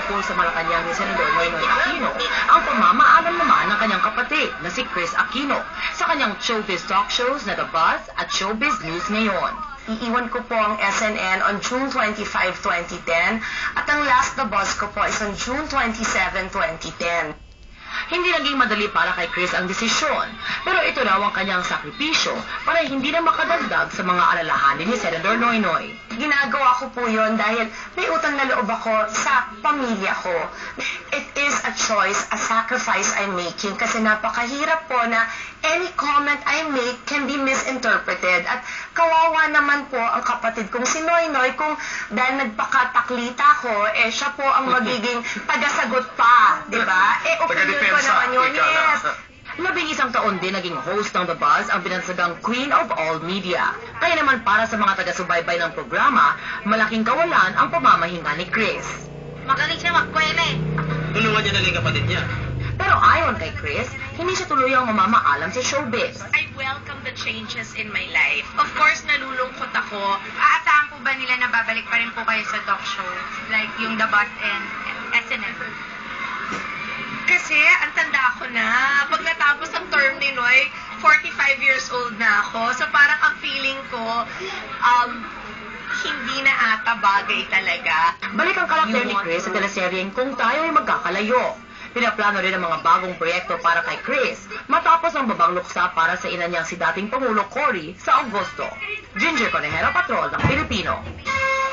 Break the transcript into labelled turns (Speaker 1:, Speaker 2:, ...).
Speaker 1: po sa Malacanang ni Senador Noynoy Aquino ang pamamaalam naman ng kanyang kapatid na si Chris Aquino sa kanyang showbiz talk shows na The Buzz at Showbiz News Ngayon.
Speaker 2: Iiwan ko po ang SNN on June 25, 2010 at ang last The Buzz ko po is on June 27, 2010.
Speaker 1: Hindi naging madali para kay Chris ang desisyon, pero ito raw ang kanyang sakripisyo para hindi na makadagdag sa mga alalahanin ni Senador Noynoy.
Speaker 2: Ginagawa ko po yun dahil may utang na loob ako sa pamilya ko. It is a choice, a sacrifice I'm making kasi napakahirap po na any comment I make can be misinterpreted. At kawawa naman po ang kapatid kong si Noynoy kung dahil nagpakataklita ko, siya po ang magiging tagasagot pa, di ba? Opinion ko naman yun, yes.
Speaker 1: 11 taon din naging host ng The Buzz ang binansagang Queen of All Media. Kaya naman para sa mga taga-subaybay ng programa, malaking kawalan ang pamamahinga ni Chris.
Speaker 3: Magaling siya magkweme.
Speaker 4: Tulungan niya na lang yung kapatid niya.
Speaker 1: Pero ayon kay Chris, hindi siya tuluyang mamamaalam sa showbiz.
Speaker 3: I welcome the changes in my life. Of course, nalulungkot ako. Aasahan po ba nila na babalik pa rin po kayo sa talk show? Like yung The Buzz and SNL? Kasi, ang tanda ko na. Pag natapos ang term ni Noy, 45 years old na ako. So parang ang feeling ko, hindi na ata bagay talaga.
Speaker 1: Balik ang karakter ni Chris sa teleseryeng Kung Tayo Ay Magkakalayo. Pinaplano rin ang mga bagong proyekto para kay Chris matapos ang babang luksa para sa ina niyang si dating Pangulo Cory sa Agosto. Ginger Conejero Patrol ng Pilipino.